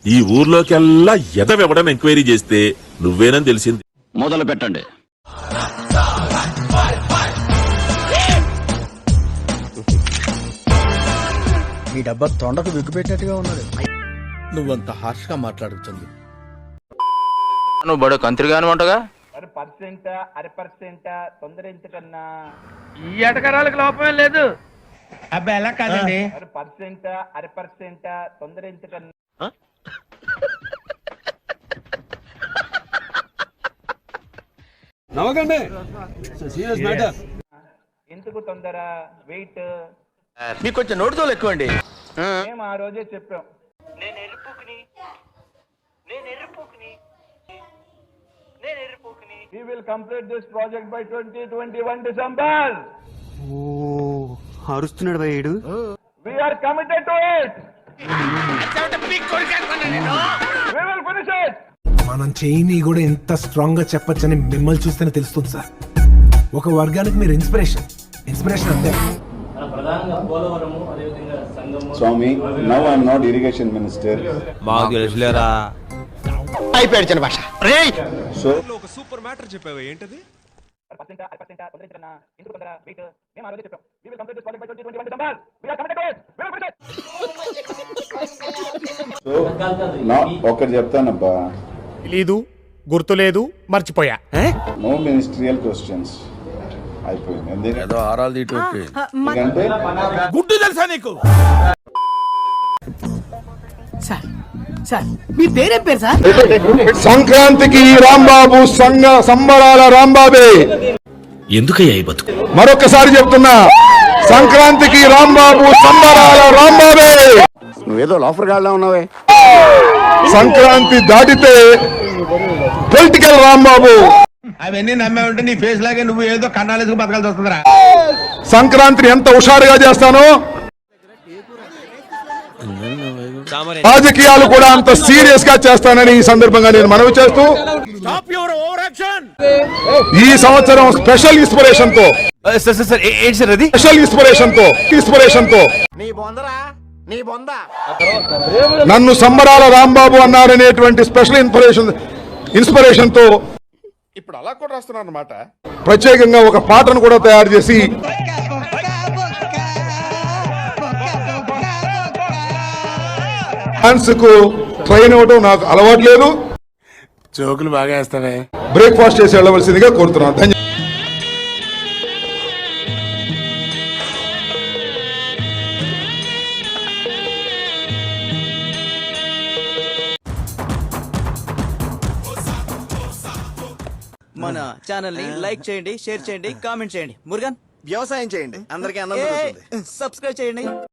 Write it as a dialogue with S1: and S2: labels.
S1: ఈ ఊర్లోకెల్లా ఎదవెవడం ఎంక్వైరీ చేస్తే నువ్వేనని తెలిసింది.
S2: మొదలు పెట్టండి.
S3: ఈ డబ్బా తొండకు విగ్గుపెట్టినట్టుగా ఉన్నది.
S4: నువ్వంత హార్ష్ గా మాట్లాడుతుంది.
S5: నువ్వు బడు కంత్రిగాను వంటగా
S6: తొందర ఎంతకన్నా
S7: ఈ ఎటకరాలకు లోపమే లేదు.
S3: అబ్బా ఎలా కాదండి,
S6: తొందర ఎంతకన్నా
S8: నవ్వకండి.
S6: ఎందుకు తొందర వెయిట్
S5: మీకు కొంచెం నోటితో ఎక్కువ అండి.
S6: మేము ఆ రోజే చెప్పాం. We will complete this project by 2021 December.
S8: అరుస్తున్నాడు భయ్యుడు.
S6: We are committed to it. We will finish it.
S9: మనం చేయని కూడా ఎంత స్ట్రాంగ్ గా చెప్పొచ్చని మిమ్మల్ని చూస్తేనే తెలుస్తుంది సార్. ఒక వర్గానికి మీరు ఇన్స్పిరేషన్ అంతే.
S10: స్వామి, now I am not irrigation minister.
S5: మాకు తెలుసులేరా.
S3: అయిపోయాడు చిన్న భాష.
S10: సో
S8: ఒక సూపర్ మ్యాటర్ చెప్పావు, ఏంటది?
S10: ఒకటి చెప్తానబ్బా,
S4: తెలీదు, గుర్తులేదు, మర్చిపోయా.
S10: No ministerial questions. అయిపోయింది. ఎందుకంటే
S4: గుడ్డు తెలుసా నీకు?
S3: మీ పేరేం పేరు సార్?
S9: సంక్రాంతికి రాంబాబు సంబరాల రాంబాబే.
S1: ఎందుకయ్యా ఈ బతుకు?
S9: మరొకసారి చెప్తున్నా, సంక్రాంతికి రాంబాబు సంబరాల రాంబాబే.
S10: నువ్వేదో లోఫర్ గాళ్ళ ఉన్నావే.
S9: సంక్రాంతి దాటితే పొలిటికల్ రాంబాబు.
S3: అవన్నీ నమ్మే ఉంటే నీ ఫేస్ లాగే నువ్వు ఏదో కన్నాలేసుకు బతకాల్సి వస్తుందిరా.
S9: సంక్రాంతిని ఎంత హుషారుగా చేస్తానో రాజకీయాలు కూడా అంత సీరియస్ గా చేస్తానని ఈ సందర్భంగా నేను మనవి చేస్తూ, ఈ సంవత్సరం స్పెషల్ ఇన్స్పిరేషన్ తో నన్ను సంబరాల రాంబాబు అన్నారనేటువంటి స్పెషల్ ఇన్స్పిరేషన్ తో
S8: ఇప్పుడు అలా కూడా రాస్తున్నారు అన్నమాట.
S9: ప్రత్యేకంగా ఒక పాటను కూడా తయారు చేసి డాన్స్ కు ట్రైన్ అవ్వడం నాకు అలవాటు లేదు.
S8: జోకులు బాగా వేస్తావే.
S9: బ్రేక్ఫాస్ట్ చేసి వెళ్ళవలసిందిగా కోరుతున్నాను.
S3: మన ఛానల్ ని లైక్ చేయండి, షేర్ చేయండి, కామెంట్ చేయండి. మురుగన్ వ్యవసాయం చేయండి, అందరికీ అన్నం దొరుకుతుంది. సబ్స్క్రైబ్ చేయండి.